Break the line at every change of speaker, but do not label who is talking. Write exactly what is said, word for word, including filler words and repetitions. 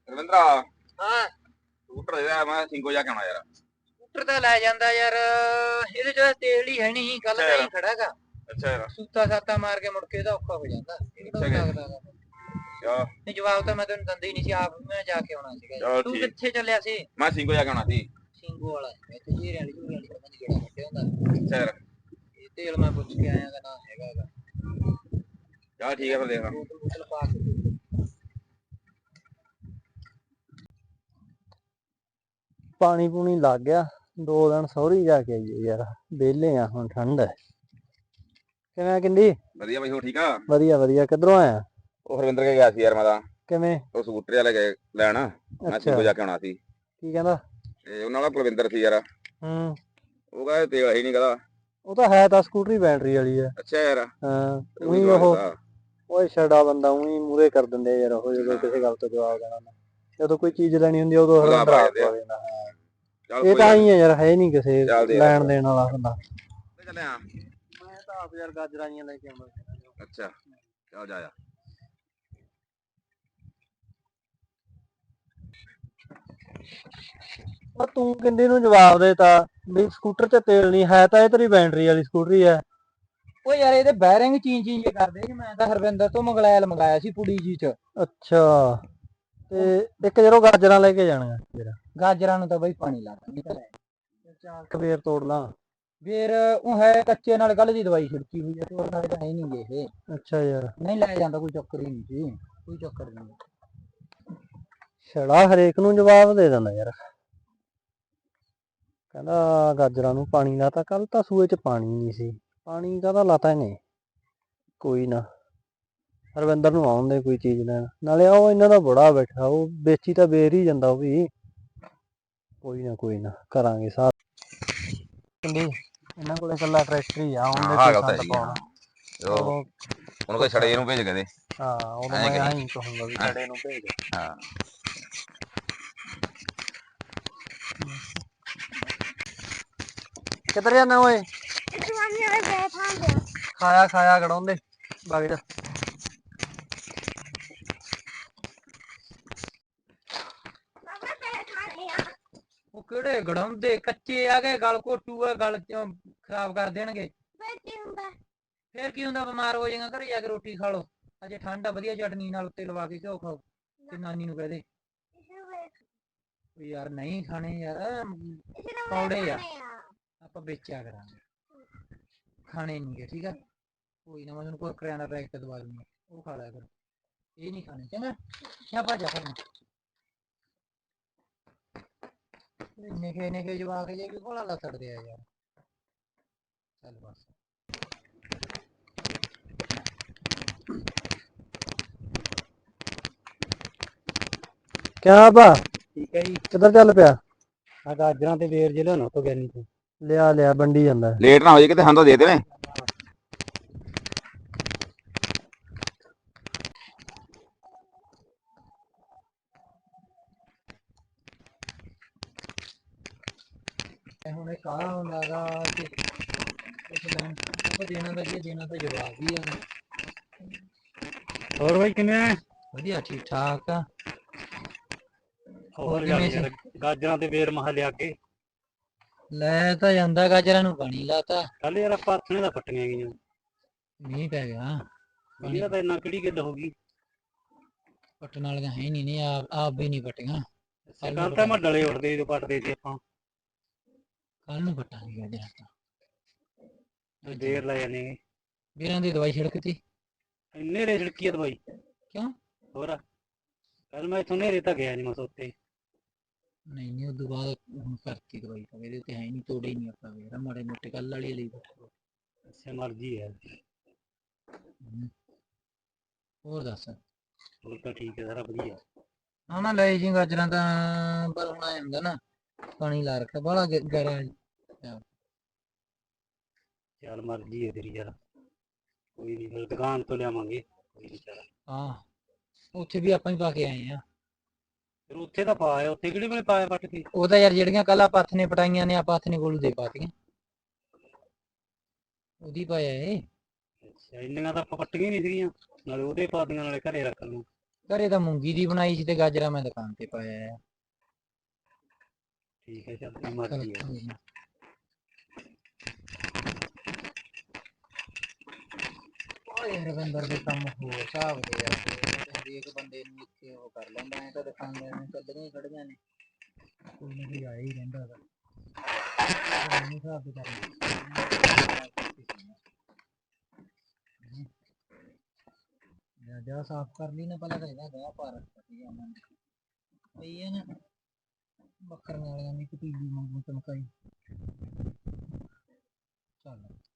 ਰਵਿੰਦਰਾ
ਹਾਂ
ਸਕੂਟਰ ਇਹਦਾ ਮੈਂ ਸਿੰਗੋ ਜਾ ਕੇ ਆਉਣਾ ਯਾਰ।
ਸਕੂਟਰ ਤਾਂ ਲੈ ਜਾਂਦਾ ਯਾਰ, ਇਹਦੇ ਚ ਤੇਲ ਹੀ ਹੈ ਨਹੀਂ, ਗੱਲ
ਅੱਛਾ
ਤਾਂ
ਯਾਰ
ਹੀ ਖੜਾਗਾ।
ਅੱਛਾ ਯਾਰ
ਸੂਤਾ ਸਾਤਾ ਮਾਰ ਕੇ ਮੁੜ ਕੇ ਇਹਦਾ ਔਖਾ ਹੋ ਜਾਂਦਾ, ਇਹ
ਅੱਛਾ
ਕਿਹੜਾ
ਕਿ
ਲੱਗਦਾ ਗਾ।
ਚਲ
ਨਹੀਂ ਜਵਾਬ ਤਾਂ ਮੈਂ ਤੈਨੂੰ ਦਿੰਦਾ ਹੀ ਨਹੀਂ ਸੀ, ਆਪ ਮੈਂ ਜਾ ਕੇ ਆਉਣਾ ਸੀਗਾ ਯਾਰ।
ਚਲ
ਤੂੰ
ਠੀਕ।
ਕਿੱਥੇ ਚੱਲਿਆ ਸੀ?
ਮੈਂ ਸਿੰਗੋ ਜਾ ਕੇ ਆਉਣਾ ਸੀ।
ਸਿੰਗੂ ਵਾਲਾ ਇੱਥੇ ਜੀਰੇ ਵਾਲੀ ਜੂਰੇ ਵਾਲੀ ਪਤਾ ਨੀ ਕਿਹੜਾ ਕੱਢਿਆ ਹੁੰਦਾ।
ਅੱਛਾ ਯਾਰ
ਇਹ ਤੇਲ ਮੈਂ ਪੁੱਛ ਕੇ ਆਇਆ, ਨਾ ਹੈਗਾ ਗਾ।
ਚਲ ਠੀਕ ਹੈ ਫਿਰ ਦੇਖਦਾ।
ਬੋਤਲ ਬੋਤਲ ਪਾ ਕੇ
ਪਾਣੀ ਪੂਣੀ ਲੱਗ ਗਿਆ। ਦੋ ਦਿਨ ਸਹੁਰੀ ਜਾ ਕੇ ਆਈਏ ਯਾਰ, ਵਿਹਲੇ ਆ ਹੁਣ, ਠੰਡ ਹੈ। ਕਿਵੇਂ ਕਿੰਦੀ?
ਵਧੀਆ ਬਾਈ, ਹੋ ਠੀਕ ਆ?
ਵਧੀਆ ਵਧੀਆ। ਕਿੱਧਰੋਂ ਆਇਆ?
ਉਹ ਹਰਵਿੰਦਰ ਕੇ ਗਿਆ ਸੀ ਯਾਰ ਮੈਂ ਤਾਂ।
ਕਿਵੇਂ?
ਉਹ ਸਕੂਟਰ ਵਾਲੇ ਗਏ ਲੈਣ, ਮੈਂ ਸਿੰਗੋ ਜਾ ਕੇ ਆਉਣਾ ਸੀ।
ਕੀ ਕਹਿੰਦਾ?
ਤੇ ਉਹਨਾਂ ਦਾ ਕੁਲਵਿੰਦਰ ਸੀ ਯਾਰ।
ਹੂੰ।
ਉਹ ਕਹਿੰਦਾ ਤੇਲ ਹੀ ਨਹੀਂ ਕਹਿੰਦਾ।
ਉਹ ਤਾਂ ਹੈ ਤਾਂ ਸਕੂਟਰੀ ਬੈਟਰੀ ਵਾਲੀ ਹੈ।
ਅੱਛਾ ਯਾਰ
ਹਾਂ
ਉਹੀ
ਉਹੀ
ਦਵਾ
ਉਹ
ਦਿੱਤਾ।
ਉਹ ਛੜਾ ਬੰਦਾ ਉਹੀ ਮੂਹਰੇ ਕਰ ਦਿੰਦੇ ਯਾਰ, ਉਹ ਜਦੋਂ ਕਿਸੇ ਗੱਲ ਤੋਂ ਜਵਾਬ ਦੇਣਾ ਨਾ, ਜਦੋਂ ਕੋਈ ਚੀਜ਼ ਲੈਣੀ ਹੁੰਦੀ ਉਦੋਂ
ਉਹਦਾ
ਹਰਵਿੰਦਰ
ਆ
ਆਪ
ਜਾਂਦੇ ਆ।
ਪਾ ਦੇਣਾ।
ਚੱਲ
ਇਹ
ਕੋਈ
ਤਾਂ
ਗੱਲ
ਹੀ ਹੈ ਯਾਰ, ਹੈ ਨਹੀਂ ਕਿਸੇ
ਚੱਲ ਦੇ
ਲੈਣ ਦੇਣ ਵਾਲਾ ਹੁੰਦਾ।
ਚੱਲਿਆ।
ਮੈਂ ਤਾਂ ਆਪ ਯਾਰ ਗਾਜਰਾਂ ਜੀਆਂ ਲੈ ਕੇ ਆਉਂਦਾ ਸੀ।
ਅੱਛਾ ਚੱਲ ਜਾ ਜਾ।
ਉਹ ਤੂੰ ਕਿੰਦੀ ਨੂੰ ਜਵਾਬ ਦੇਤਾ ਵੀ ਸਕੂਟਰ 'ਚ ਤੇਲ ਨਹੀਂ ਹੈ, ਤਾਂ ਇਹ ਤੇਰੀ ਬੈਟਰੀ ਵਾਲੀ ਸਕੂਟਰੀ ਹੈ।
ਉਹ ਯਾਰ ਇਹਦੇ ਬੈਰਿੰਗ ਚੀਂ ਚੀਂ ਜੇ ਕਰਦੇ ਸੀ। ਮੈਂ ਤਾਂ ਹਰਵਿੰਦਰ ਤੋਂ ਮੰਗਲੈਲ ਮੰਗਾਇਆ ਸੀ ਪੁੜੀ ਜੀ ਚ।
ਅੱਛਾ, ਤੇ ਇੱਕ ਜਦੋਂ ਗਾਜਰਾਂ ਲੈ ਕੇ ਜਾਣੀਆਂ ਫਿਰ
ਗਾਜਰਾਂ ਨੂੰ ਤਾਂ ਬਈ ਪਾਣੀ ਲਾ ਦਿੰਦਾ।
ਚਾਰ ਕੁ ਫੇਰ ਤੋੜ ਲਾਂ।
ਫੇਰ ਉਹ ਹੈ ਕੱਚੇ ਨਾਲ ਕੱਲ ਦੀ ਦਵਾਈ ਛਿੜਕੀ ਹੋਈ ਹੈ, ਤੋੜ ਨਾਲ ਤਾਂ ਹੈ ਨਹੀਂ ਗੇ ਇਹ।
ਅੱਛਾ ਯਾਰ,
ਨਹੀਂ ਲੈ ਜਾਂਦਾ, ਕੋਈ ਚੱਕਰ ਹੀ ਨਹੀਂ ਸੀ, ਕੋਈ ਚੱਕਰ ਨਹੀਂ।
ਛੜਾ ਹਰੇਕ ਨੂੰ ਜਵਾਬ ਦੇ ਦਿੰਦਾ ਯਾਰ। ਕਹਿੰਦਾ ਗਾਜਰਾਂ ਨੂੰ ਪਾਣੀ ਲਾਤਾ, ਕੱਲ ਤਾਂ ਸੂਏ 'ਚ ਪਾਣੀ ਨਹੀਂ ਸੀ। ਪਾਣੀ ਕਾਹਦਾ ਲਾਤਾ ਇਹਨੇ? ਕੋਈ ਨਾ, ਹਰਵਿੰਦਰ ਨੂੰ ਆਉਣ ਦੇ ਕੋਈ ਚੀਜ਼ ਲੈਣ। ਨਾਲੇ ਉਹ ਇਹਨਾਂ ਦਾ ਬੜਾ ਬੈਠਾ, ਉਹ ਵੇਚੀ ਤਾਂ ਵੇਰ ਹੀ ਜਾਂਦਾ ਉਹ ਵੀ। ਕੋਈ ਨਾ ਕੋਈ ਨਾ ਕਰਾਂਗੇ ਸਾਥ। ਇਹਨਾਂ ਕੋਲੇ ਇਕੱਲਾ ਟਰੈਕਟਰ ਹੀ ਆ, ਉਹਦੇ
ਹਾਂ
ਕੋਈ
ਗੱਲ ਤਾਂ
ਸੰਦ
ਹੈਗੀ
ਪਾਉਣਾ।
ਉਹ
ਉਹ
ਉਹਨੂੰ ਕੋਈ ਛੜੇ ਨੂੰ ਭੇਜ ਕੇ ਦੇ।
ਹਾਂ ਉਦੋਂ
ਐਂ
ਮੈਂ
ਕਰੀ।
ਆਹੀਂ ਕਹੂੰਗਾ ਵੀ ਛੜੇ ਨੂੰ ਭੇਜ।
ਹਾਂ
ਕਿੱਧਰ ਜਾਣਾ ਓਏ? ਖਾਇਆ ਖਾਇਆ ਗੜਾਉਂਦੇ ਵਗ ਜਾ।
ਉਹ ਕਿਹੜੇ ਗੜਾਉਂਦੇ, ਕੱਚੇ ਆ ਗਏ, ਗਲ ਘੋਟੂ ਆ, ਗਲ ਚੋਂ ਖਰਾਬ ਕਰ ਦੇਣਗੇ। ਫੇਰ ਕੀ ਹੁੰਦਾ, ਬਿਮਾਰ ਹੋ ਜਾਏਗਾ। ਘਰੇ ਜਾ ਕੇ ਰੋਟੀ ਖਾ ਲੋ, ਅਜੇ ਠੰਡ ਆ, ਵਧੀਆ ਚਟਨੀ ਨਾਲ ਉੱਤੇ ਲਵਾ ਕੇ ਘਿਓ ਖਾਓ ਤੇ ਨਾਨੀ ਨੂੰ ਕਹਿ ਦੇ ਯਾਰ ਨਹੀਂ ਖਾਣੇ ਯਾਰ, ਕੌੜੇ ਆ, ਆਪਾਂ ਵੇਚਿਆ ਕਰਾਂਗੇ, ਖਾਣੇ ਨਹੀਂ ਗੇ, ਠੀਕ ਆ। ਕੋਈ ਨਾ, ਮੈਂ ਤੈਨੂੰ ਕੁਰਕਰਿਆਂ ਦਾ ਪੈਕਟ ਦਵਾ ਦੂੰਗਾ, ਉਹ ਖਾ ਲਿਆ ਕਰ, ਇਹ ਨਹੀਂ ਖਾਣੇ, ਚੰਗਾ। ਜਾਂ ਭੱਜ ਜਾ। ਨਿੱਕੇ ਨਿੱਕੇ ਜਵਾਕ ਜੇ ਵੀ ਕੋਲਾ ਲੱਸੜਦੇ ਆ ਯਾਰ। ਚੱਲ ਬਸ।
ਕਿਆ ਬਾ?
ਠੀਕ ਹੈ ਜੀ।
ਕਿੱਧਰ ਚੱਲ ਪਿਆ?
ਆ ਗਾਜਰਾਂ ਤੇ ਵੇਰ ਜੇ ਲਿਆਉਣਾ ਤੋਂ ਗਿਆਨੀ ਤੋਂ।
ਲਿਆ ਲਿਆ, ਵੰਡੀ ਜਾਂਦਾ।
ਲੇਟ ਨਾ ਹੋ ਜਾਏ ਕਿਤੇ, ਹਾਂ ਤਾਂ ਦੇ ਦੇਣੇ।
ਹੁਣ ਇਹ ਕਾਲਾ ਹੁੰਦਾ ਗਾ ਤੇ ਦੇਣਾ ਤਾਂ ਕੀ ਦੇਣਾ, ਤਾਂ ਜਵਾਬ ਹੀ ਆ।
ਹੋਰ ਬਾਈ ਕਿਵੇਂ ਆ?
ਵਧੀਆ, ਠੀਕ ਠਾਕ ਆ।
ਹੋਰ ਯਾਰ ਗਾਜਰਾਂ ਤੇ ਵੇਰ ਮਹਾ ਲਿਆ ਕੇ
ਲੈ ਤਾਂ ਜਾਂਦਾ, ਗਾਜਰਾਂ ਨੂੰ ਪਾਣੀ ਲਾਤਾ।
ਕੱਲ ਯਾਰ ਆਪਾਂ ਹੱਥਣੇ ਦਾ ਪੱਟੀਆਂ ਗਈਆਂ,
ਮੀਂਹ ਪੈ ਗਿਆ।
ਇਹਦਾ ਤਾਂ ਇੰਨਾ ਕਿਹੜੀ ਗੱਲ ਹੋ ਗਈ।
ਪੱਟਣ ਵਾਲੀਆਂ ਹੈ ਨਹੀਂ, ਨਹੀਂ ਆਪ ਆਪ ਵੀ ਨਹੀਂ ਪੱਟੀਆਂ।
ਕੱਲ ਤਾਂ ਮੈਂ ਡਲੇ ਉੱਠਦੇ ਜਦੋਂ ਪੱਟਦੇ ਸੀ ਆਪਾਂ।
ਕੱਲ ਨੂੰ ਪੱਟਾਂਗੇ ਗਾਜਰਾਂ ਤਾਂ।
ਦੇਰ ਲੈ ਜਾਂਦੇ
ਵੀਰਾਂ ਦੀ ਦਵਾਈ ਛਿੜਕਤੀ।
ਨੇਰੇ ਛਿੜਕੀ ਆ ਦਵਾਈ।
ਕਿਉਂ?
ਹੋਰ ਕੱਲ ਮੈਂ ਇੱਥੋਂ ਨੇਰੇ ਤਾਂ ਗਿਆ ਨੀ, ਮੈਂ ਸੋਤੇ
ਨਹੀਂ ਨਹੀਂ, ਉਦੋਂ ਬਾਅਦ ਹੁਣ ਕਰਤੀ ਦਵਾਈ ਤਾਂ ਇਹਦੇ ਤੇ ਹੈ ਨਹੀਂ, ਤੋੜੇ ਹੀ ਨਹੀਂ ਆਪਾਂ ਯਾਰ, ਮਾੜੇ ਮੋਟੇ ਕੱਲ ਵਾਲੀ ਲਈ।
ਅੱਛਾ ਮਰਜ਼ੀ ਹੈ।
ਹੋਰ ਦੱਸ?
ਹੋਰ ਤਾਂ ਠੀਕ ਹੈ, ਸਾਰਾ ਵਧੀਆ।
ਹਾਂ ਨਾ ਲੈ ਜੀ ਗਾਜਰਾਂ ਤਾਂ, ਪਰ ਹੁਣ ਆਇਆ ਹੁੰਦਾ ਨਾ, ਪਾਣੀ ਲਾ ਰੱਖਿਆ ਬਾਹਲਾ ਗਹਿਰਾ।
ਚੱਲ ਮਰਜ਼ੀ ਹੈ ਤੇਰੀ ਯਾਰ, ਕੋਈ ਨੀ ਦੁਕਾਨ ਤੋਂ ਲਿਆਵਾਂਗੇ, ਕੋਈ ਨੀ ਚੱਲ।
ਹਾਂ ਉੱਥੇ ਵੀ ਆਪਾਂ ਹੀ ਪਾ ਕੇ ਆਏ ਆ।
ਫਿਰ ਉੱਥੇ ਤਾਂ ਪਾਇਆ, ਉੱਥੇ ਕਿਹੜੇ ਵੇਲੇ ਪਾਇਆ ਪੱਟ ਕੇ?
ਉਹ ਤਾਂ ਯਾਰ ਜਿਹੜੀਆਂ ਕੱਲ ਆਪਾਂ ਹੱਥ ਨੇ ਪਟਾਈਆਂ ਨੇ, ਆਪਾਂ ਹੱਥ ਨੇ ਕੋਲ ਦੇ ਪਾਤੀਆਂ, ਉਹਦੀ ਪਾਇਆ ਏ।
ਅੱਛਾ ਇੰਨੀਆਂ ਤਾਂ ਆਪਾਂ ਪੱਟੀਆਂ ਨਹੀਂ ਸੀਗੀਆਂ, ਨਾਲੇ ਉਹਦੇ ਪਾ ਦੀਆਂ, ਨਾਲੇ ਘਰੇ ਰੱਖ ਲੂ।
ਘਰੇ ਤਾਂ ਮੂੰਗੀ ਦੀ ਬਣਾਈ ਸੀ ਤੇ ਗਾਜਰਾਂ ਮੈਂ ਦੁਕਾਨ ਤੇ ਪਾਇਆ ਆ।
ਠੀਕ ਹੈ, ਚੱਲ ਤੇਰੀ ਮਰਜ਼ੀ ਹੈ।
ਓਏ ਰਵਿੰਦਰ ਦੇ ਕੰਮ ਹੋਰ ਹਿਸਾਬ ਦੇ ਯਾਰ, ਹਰੇਕ ਬੰਦੇ ਨੂੰ ਇੱਥੇ ਉਹ ਕਰ ਲੈਂਦਾ ਐ ਤਾਂ ਦੁਕਾਨਦਾਰਾਂ ਨੂੰ ਚੱਲਦੀਆਂ ਹੀ ਖੜੀਆਂ ਨੇ, ਕੋਈ ਨਾ ਕੋਈ ਆ ਹੀ ਰਹਿੰਦਾ ਹੈਗਾ। ਮੈਨੂੰ ਹਿਸਾਬ ਦੇ ਕਰਨਾ ਜਾ ਸਾਫ਼ ਕਰ ਲਈ ਨਾ ਪਹਿਲਾਂ ਤਾਂ ਇਹਦਾ ਗਾਹ ਪਾ ਰੱਖਿਆ ਸੀਗਾ ਉਹਨਾਂ ਨੇ, ਪਈ ਹੈ ਨਾ ਬੱਕਰੀਆਂ ਵਾਲਿਆਂ ਦੀ ਪਤੀਲੀ ਵਾਂਗੂ ਚਮਕਾਈ। ਚੱਲ